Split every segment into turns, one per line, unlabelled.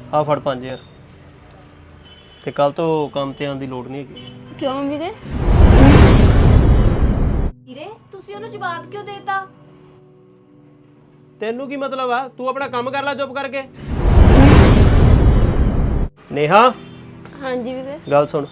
ਆ ਫੜ 5000 ਤੇ ਕੱਲ ਤੋਂ ਕੰਮ ਤੇ ਆਉਣ ਦੀ ਲੋੜ ਨਹੀਂ ਹੈਗੀ।
ਕਿਉਂ ਵੀਰੇ? ਵੀਰੇ ਤੁਸੀਂ ਉਹਨੂੰ ਜਵਾਬ ਕਿਉਂ ਦੇਤਾ?
ਤੈਨੂੰ ਕੀ ਮਤਲਬ ਆ? ਤੂੰ ਆਪਣਾ ਕੰਮ ਕਰ ਲੈ ਚੁੱਪ ਕਰਕੇ। ਨੇਹਾ
ਹਾਂਜੀ ਵੀਰੇ।
ਗੱਲ ਸੁਣ,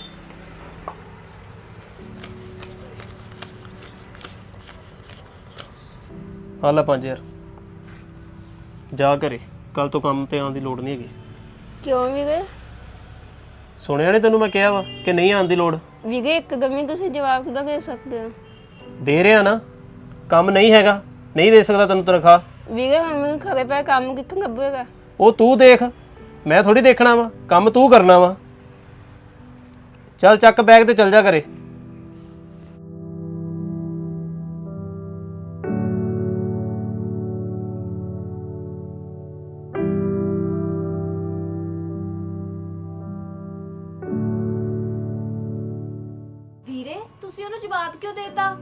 ਆ ਲੈ 5000 ਜਾ ਘਰੇ, ਕੱਲ ਤੋਂ ਕੰਮ ਤੇ ਆਉਣ ਦੀ ਲੋੜ ਨਹੀਂ ਹੈਗੀ।
ਕਿਉਂ ਵੀਰੇ?
ਸੁਣਿਆ ਨਹੀਂ ਤੈਨੂੰ ਮੈਂ ਕਿਹਾ ਵਾ ਕਿ ਨਹੀਂ ਆਉਣ ਦੀ ਲੋੜ?
ਵੀਰੇ ਇੱਕ ਗਮੀ ਤੁਸੀਂ ਜਵਾਬ ਕਿੱਦਾਂ ਦੇ ਸਕਦੇ ਹੋ?
ਦੇ ਰਿਹਾ ਨਾ, ਕੰਮ ਨਹੀਂ ਹੈਗਾ, ਨਹੀਂ ਦੇ ਸਕਦਾ ਤੈਨੂੰ ਤਨਖਾਹ।
ਵੀਰੇ ਹੁਣ ਮੈਨੂੰ ਘਰੇ ਪੈ ਕੰਮ ਕਿੱਥੋਂ ਲੱਭੇਗਾ?
ਉਹ ਤੂੰ ਦੇਖ, ਮੈਂ ਥੋੜੀ ਦੇਖਣਾ ਵਾ, ਕੰਮ ਤੂੰ ਕਰਨਾ ਵਾ। ਚੱਲ ਚੱਕ ਬੈਗ ਤੇ ਚੱਲ ਜਾ ਘਰੇ।
ਵੀਰੇ ਤੁਸੀਂ ਉਹਨੂੰ ਜਵਾਬ ਕਿਉਂ ਦੇਤਾ?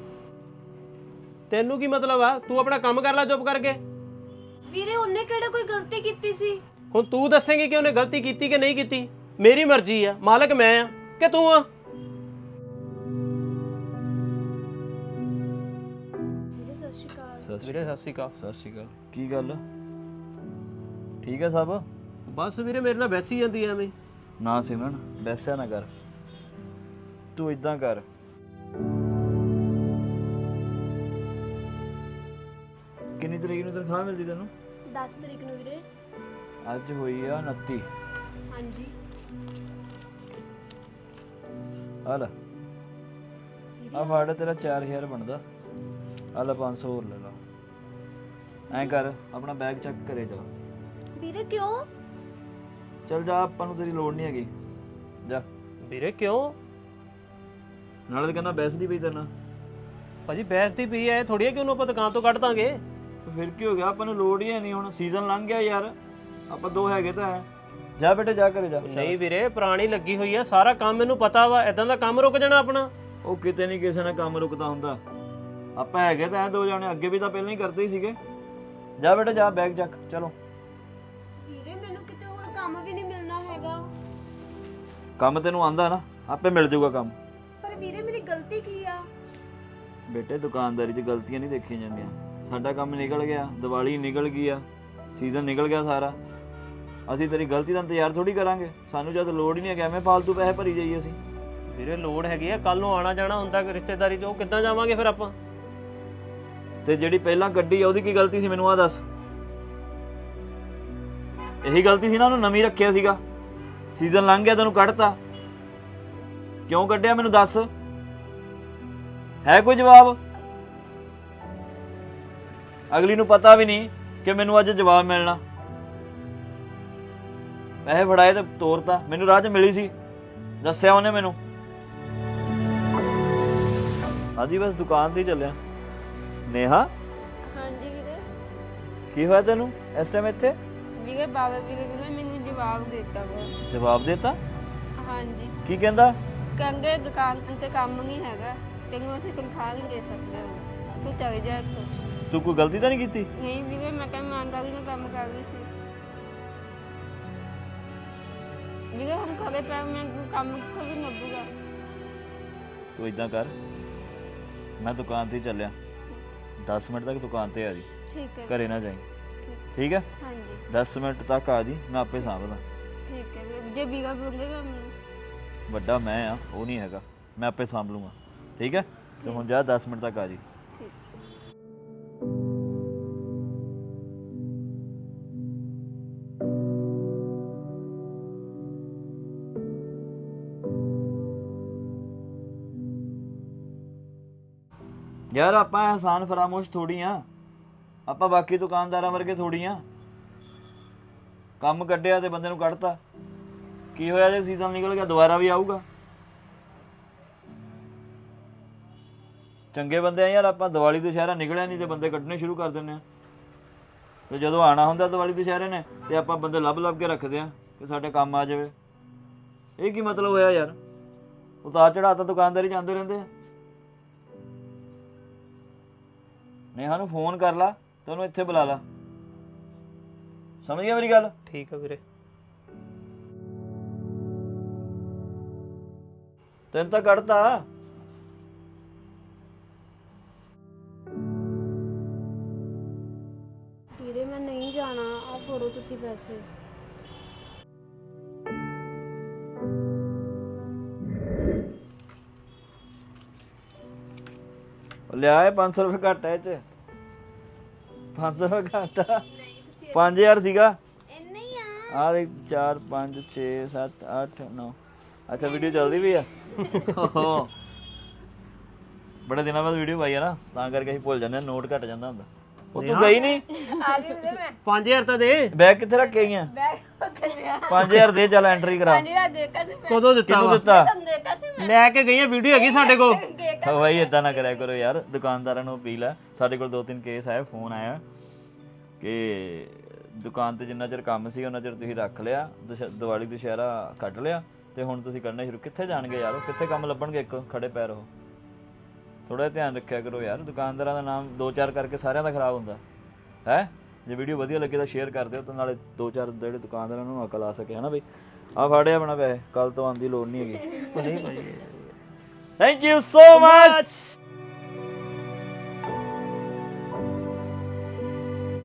ਤੈਨੂੰ ਕੀ ਮਤਲਬ ਆ? ਤੂੰ ਆਪਣਾ ਕੰਮ ਕਰ ਲੈ ਚੁੱਪ ਕਰਕੇ।
ਵੀਰੇ ਉਹਨੇ ਕਿਹੜਾ ਕੋਈ ਗਲਤੀ ਕੀਤੀ ਸੀ?
ਹੁਣ ਤੂੰ ਦੱਸੇਂਗੀ ਕਿ ਉਹਨੇ ਗਲਤੀ ਕੀਤੀ ਕਿ ਨਹੀਂ ਕੀਤੀ? ਮੇਰੀ ਮਰਜ਼ੀ ਆ, ਮਾਲਕ ਮੈਂ ਆ ਕਿ ਤੂੰ ਆ?
ਵੀਰੇ ਸਤਿ ਸ਼੍ਰੀ ਅਕਾਲ।
ਵੀਰੇ ਸਤਿ ਸ਼੍ਰੀ ਅਕਾਲ।
ਸਤਿ ਸ਼੍ਰੀ ਅਕਾਲ। ਕੀ ਗੱਲ, ਠੀਕ ਹੈ ਸਭ?
ਬਸ ਵੀਰੇ ਮੇਰੇ ਨਾਲ ਬੈਸੀ ਜਾਂਦੀ ਐਵੇਂ।
ਨਾ ਸਿਮਰਨ, ਵੈਸਾ ਨਾ ਕਰ, ਤੂੰ ਇਦਾਂ ਕਰ, ਕਿੰਨੀ ਤਰੀਕ ਨੂੰ ਤਨਖਾਹ ਮਿਲਦੀ ਤੈਨੂੰ?
10 ਤਰੀਕ ਨੂੰ ਵੀਰੇ।
ਅੱਜ ਹੋਈ ਆ 29।
ਹਾਂਜੀ।
ਆ ਲੈ, ਆ ਫੜ ਤੇਰਾ 4000 ਬਣਦਾ, ਆ ਲੈ 500 ਹੋਰ ਲੈ ਲਾ। ਐਂ ਕਰ, ਆਪਣਾ ਬੈਗ ਚੱਕ ਘਰੇ ਜਾ।
ਵੀਰੇ ਕਿਉਂ?
ਚੱਲ ਜਾ, ਆਪਾਂ ਨੂੰ ਤੇਰੀ ਲੋੜ ਨਹੀਂ ਹੈਗੀ, ਜਾ।
ਵੀਰੇ ਕਿਉਂ?
ਨਾਲੇ ਤਾਂ ਕਹਿੰਦਾ ਬੈਸਦੀ ਪਈ ਤੇਰੇ ਨਾਲ।
ਭਾਜੀ ਬੈਸ ਦੀ ਪਈ ਐ, ਥੋੜੀ ਹੈ ਕਿ ਉਹਨੂੰ ਆਪਾਂ ਦੁਕਾਨ ਤੋਂ ਕੱਢ ਦਾਂਗੇ।
ਫਿਰ ਕੀ ਹੋ ਗਿਆ, ਆਪਾਂ ਨੂੰ ਲੋੜ ਹੀ ਨਹੀਂ, ਹੁਣ ਸੀਜ਼ਨ ਲੰਘ ਗਿਆ ਯਾਰ, ਆਪਾਂ ਦੋ ਹੈਗੇ ਤਾਂ ਹੈ। ਜਾ ਬੇਟੇ ਜਾ ਘਰੇ ਜਾ।
ਨਹੀਂ ਵੀਰੇ, ਪੁਰਾਣੀ ਲੱਗੀ ਹੋਈ ਆ, ਸਾਰਾ ਕੰਮ ਮੈਨੂੰ ਪਤਾ ਵਾ, ਇਦਾਂ ਦਾ ਕੰਮ ਰੁਕ ਜਾਣਾ ਆਪਣਾ।
ਉਹ ਕਿਤੇ ਨਹੀਂ ਕਿਸੇ ਨਾਲ ਕੰਮ ਰੁਕਦਾ ਹੁੰਦਾ, ਆਪਾਂ ਹੈਗੇ ਤਾਂ ਦੋ ਜਾਣੇ, ਅੱਗੇ ਵੀ ਤਾਂ ਪਹਿਲਾਂ ਹੀ ਕਰਦੇ ਹੀ ਸੀਗੇ। ਜਾ ਬੇਟੇ ਜਾ, ਬੈਗ ਚੱਕ, ਚਲੋ।
ਵੀਰੇ ਮੈਨੂੰ ਕਿਤੇ ਹੋਰ ਕੰਮ ਵੀ ਨਹੀਂ ਮਿਲਣਾ ਹੈਗਾ।
ਕੰਮ ਤੈਨੂੰ ਆਂਦਾ ਨਾ, ਆਪੇ ਮਿਲ ਜਾਊਗਾ ਕੰਮ।
ਪਰ ਵੀਰੇ ਮੇਰੀ ਗਲਤੀ ਕੀ ਆ?
ਬੇਟੇ ਦੁਕਾਨਦਾਰੀ 'ਚ ਗਲਤੀਆਂ ਨਹੀਂ ਦੇਖੀਆਂ ਜਾਂਦੀਆਂ। ਸਾਡਾ ਕੰਮ ਨਿਕਲ ਗਿਆ, ਦੀਵਾਲੀ ਨਿਕਲ ਗਈ ਆ, ਸੀਜ਼ਨ ਨਿਕਲ ਗਿਆ ਸਾਰਾ, ਅਸੀਂ ਤੇਰੀ ਗਲਤੀ ਦਾ ਇੰਤਜ਼ਾਰ ਥੋੜੀ ਕਰਾਂਗੇ। ਸਾਨੂੰ ਜਦ ਲੋੜ ਹੀ ਨਹੀਂ ਹੈ, ਐਵੇਂ ਫਾਲਤੂ ਪੈਸੇ ਭਰੀ ਜਾਈਏ ਅਸੀਂ।
ਵੀਰੇ ਲੋੜ ਹੈਗੀ ਆ, ਕੱਲ ਨੂੰ ਆਣਾ ਜਾਣਾ ਹੁੰਦਾ ਰਿਸ਼ਤੇਦਾਰੀ 'ਚ, ਉਹ ਕਿੱਦਾਂ ਜਾਵਾਂਗੇ ਫਿਰ ਆਪਾਂ?
ਤੇ ਜਿਹੜੀ ਪਹਿਲਾਂ ਗੱਡੀ ਆ ਉਹਦੀ ਕੀ ਗਲਤੀ ਸੀ, ਮੈਨੂੰ ਆ ਦੱਸ। ਇਹੀ ਗਲਤੀ ਸੀ ਨਾ, ਉਹਨੂੰ ਨਵੀਂ ਰੱਖਿਆ ਸੀਗਾ, ਸੀਜ਼ਨ ਲੰਘ ਗਿਆ ਤੈਨੂੰ ਕੱਢਤਾ, ਕਿਉਂ ਕੱਢਿਆ ਮੈਨੂੰ ਦੱਸ, ਹੈ ਕੋਈ ਜਵਾਬ? ਅਗਲੀ ਨੂੰ ਪਤਾ ਵੀ ਨਹੀਂ ਕਿ ਮੈਨੂੰ ਅੱਜ ਜਵਾਬ ਮਿਲਣਾ। ਪੈਸੇ ਫੜਾਏ ਤੇ ਤੋਰਤਾ, ਮੈਨੂੰ ਰਾਹ 'ਚ ਮਿਲੀ ਸੀ, ਦੱਸਿਆ ਉਹਨੇ ਮੈਨੂੰ। ਹਾਂਜੀ ਬਸ ਦੁਕਾਨ ਤੇ ਹੀ ਚੱਲਿਆ। ਨੇਹਾ
ਹਾਂਜੀ ਵੀਰੇ।
ਕੀ ਹੋਇਆ ਤੈਨੂੰ ਇਸ ਟਾਈਮ ਇੱਥੇ?
ਵੀਰੇ ਬਾਬਾ ਵੀਰੇ ਨੇ ਮੈਨੂੰ ਜਵਾਬ ਦਿੱਤਾ ਵਾ।
ਜਵਾਬ ਦੇਤਾ?
ਹਾਂਜੀ।
ਕੀ ਕਹਿੰਦਾ?
ਕਹਿੰਦੇ ਦੁਕਾਨ ਤੇ ਕੰਮ ਨਹੀਂ ਹੈਗਾ, ਤੈਨੂੰ ਅਸੀਂ ਤਨਖਾਹ ਨਹੀਂ ਦੇ ਸਕਦੇ ਹੁਣ, ਤੂੰ ਚਲੇ ਜਾ ਇੱਥੋਂ।
ਤੂੰ ਕੋਈ ਗਲਤੀ ਤਾਂ ਨਹੀਂ ਕੀਤੀ?
ਨਹੀਂ ਵੀਰੇ, ਮੈਂ ਕਿਹਾ ਇਮਾਨਦਾਰੀ ਨਾਲ ਕੰਮ ਕਰ ਰਹੀ ਸੀ। ਵੀਰੇ ਹੁਣ ਘਰੇ ਪੈ ਮੈਂ ਕੰਮ ਕਿੱਥੋਂ ਵੀ ਲੱਭੂਗਾ।
ਤੂੰ ਇਦਾਂ ਕਰ, ਮੈਂ ਦੁਕਾਨ ਤੇ ਹੀ ਚੱਲਿਆ, 10 ਮਿੰਟ ਤੱਕ ਦੁਕਾਨ ਤੇ ਆ ਜੀ,
ਠੀਕ ਹੈ।
ਘਰੇ ਨਾ ਜਾਈਂ, ਠੀਕ ਹੈ?
ਹਾਂਜੀ
10 ਮਿੰਟ ਤੱਕ ਆ ਜੀ, ਮੈਂ ਆਪੇ ਸਾਂਭਦਾ।
ਠੀਕ ਹੈ ਵੀਰੇ, ਜੇ ਵੀਰਾ ਬੋਲੇਗਾ ਮੈਨੂੰ।
ਵੱਡਾ ਮੈਂ ਆ, ਉਹ ਨਹੀਂ ਹੈਗਾ, ਮੈਂ ਆਪੇ ਸਾਂਭ ਲੂੰਗਾ, ਠੀਕ ਹੈ? ਤੇ ਹੁਣ ਜਾ 10 ਮਿੰਟ ਤੱਕ ਆ ਜੀ। ਯਾਰ ਆਪਾਂ ਅਹਿਸਾਨ ਫਰਾਮੋਸ਼ ਥੋੜੀ ਆ, ਆਪਾਂ ਬਾਕੀ ਦੁਕਾਨਦਾਰਾਂ ਵਰਗੇ ਥੋੜੀ ਆ। ਕੰਮ ਕੱਢਿਆ ਤੇ ਬੰਦੇ ਨੂੰ ਕੱਢਤਾ, ਕੀ ਹੋਇਆ ਜੇ ਸੀਜ਼ਨ ਨਿਕਲ ਗਿਆ, ਦੁਬਾਰਾ ਵੀ ਆਊਗਾ। ਚੰਗੇ ਬੰਦੇ ਆ ਯਾਰ ਆਪਾਂ, ਦੀਵਾਲੀ ਦੁਸ਼ਹਿਰਾ ਨਿਕਲਿਆ ਨਹੀਂ ਤੇ ਬੰਦੇ ਕੱਢਣੇ ਸ਼ੁਰੂ ਕਰ ਦਿੰਦੇ ਆ, ਤੇ ਜਦੋਂ ਆਣਾ ਹੁੰਦਾ ਦੀਵਾਲੀ ਦੁਸ਼ਹਿਰੇ ਨੇ ਤੇ ਆਪਾਂ ਬੰਦੇ ਲੱਭ ਕੇ ਰੱਖਦੇ ਆ ਕਿ ਸਾਡੇ ਕੰਮ ਆ ਜਾਵੇ। ਇਹ ਕੀ ਮਤਲਬ ਹੋਇਆ ਯਾਰ? ਉਤਾਰ ਚੜ੍ਹਾਅ ਤਾਂ ਦੁਕਾਨਦਾਰੀ ਜਾਂਦੇ ਰਹਿੰਦੇ ਆ। ਨੇਹਾ ਨੂੰ ਫੋਨ ਕਰ ਲਾ ਤੇ ਉਹਨੂੰ ਇੱਥੇ ਬੁਲਾ ਲਾ, ਸਮਝ ਗਿਆ ਮੇਰੀ ਗੱਲ?
ਠੀਕ ਆ ਵੀਰੇ।
ਤੈਨੂੰ ਤਾਂ ਕੱਢਤਾ।
ਵੀਰੇ ਮੈਂ ਨਹੀਂ ਜਾਣਾ, ਆ ਫੜੋ ਤੁਸੀਂ ਪੈਸੇ।
ਲਿਆ ਇਹ 500 ਰੁਪਏ ਘੱਟ ਹੈ ਇਹ ਚ। 500 ਰੁਪਏ ਘੱਟ ਆ। 5000 ਸੀਗਾ।
ਇੰਨੇ ਹੀ
ਆ ਦੇਖ 4 5 6 7 8 9। ਅੱਛਾ ਵੀਡੀਓ ਚੱਲਦੀ ਵੀ ਆ। ਬੜੇ ਦਿਨਾਂ ਬਾਅਦ ਵੀਡੀਓ ਪਾਈ ਆ ਨਾ, ਤਾਂ ਕਰਕੇ ਅਸੀਂ ਭੁੱਲ ਜਾਂਦੇ ਆ, ਨੋਟ ਘਟ ਜਾਂਦਾ ਹੁੰਦਾ। ਉਹ ਤੂੰ ਗਈ ਨਹੀਂ?
ਆ ਗਈ ਵੀਰੇ ਮੈਂ।
5000 ਤਾਂ ਦੇ।
ਬੈਗ ਕਿੱਥੇ ਰੱਖ ਕੇ ਆਈਆਂ?
ਬੈਗ ਉੱਥੇ
5000 ਦੇ, ਚੱਲ ਐਂਟਰੀ ਕਰਾ।
5000 ਦੇ ਕਸੇ ਮੈਂ।
ਕਦੋਂ ਦਿੱਤਾ
ਕਿਹਨੂੰ
ਵਾ?
ਦਿੱਤਾ?
ਦੇ ਕਸੇ ਮੈਂ।
ਲੈ ਕੇ ਗਈ ਆ, ਵੀਡੀਓ ਹੈਗੀ ਸਾਡੇ ਕੋਲ।
ਹਾਂ ਬਾਈ ਇਦਾਂ ਨਾ ਕਰਿਆ ਕਰੋ ਯਾਰ, ਦੁਕਾਨਦਾਰਾਂ ਨੂੰ ਅਪੀਲ ਆ। ਸਾਡੇ ਕੋਲ 2-3 ਕੇਸ ਆਏ, ਫੋਨ ਆਇਆ ਕਿ ਦੁਕਾਨ ਤੇ ਜਿੰਨਾ ਚਿਰ ਕੰਮ ਸੀ ਉਹਨਾਂ ਚਿਰ ਤੁਸੀਂ ਰੱਖ ਲਿਆ, ਦੀਵਾਲੀ ਦੁਸ਼ਹਿਰਾ ਕੱਢ ਲਿਆ ਤੇ ਹੁਣ ਤੁਸੀਂ ਕਰਨਾ ਸ਼ੁਰੂ। ਕਿੱਥੇ ਜਾਣਗੇ ਯਾਰ ਉਹ? ਕਿੱਥੇ ਕੰਮ ਲੱਭਣਗੇ ਇੱਕ ਖੜੇ ਪੈਰ ਉਹ? ਥੋੜਾ ਧਿਆਨ ਰੱਖਿਆ ਕਰੋ ਯਾਰ, ਦੁਕਾਨਦਾਰਾਂ ਦਾ ਨਾਮ 2-4 ਕਰਕੇ ਸਾਰਿਆਂ ਦਾ ਖਰਾਬ ਹੁੰਦਾ ਹੈ। ਜੇ ਵੀਡੀਓ ਵਧੀਆ ਲੱਗੇ ਤਾਂ ਸ਼ੇਅਰ ਕਰ ਦਿਓ, ਤੇ ਨਾਲੇ 2-4 ਜਿਹੜੇ ਦੁਕਾਨਦਾਰਾਂ ਨੂੰ ਅਕਲ ਆ ਸਕੇ, ਹਨਾ ਬਈ। ਆ ਫਾੜਿਆ ਆਪਣਾ ਪੈਸੇ, ਕੱਲ ਤੋਂ ਆਉਣ ਦੀ ਲੋੜ ਨਹੀਂ ਹੈਗੀ। Thank you so much.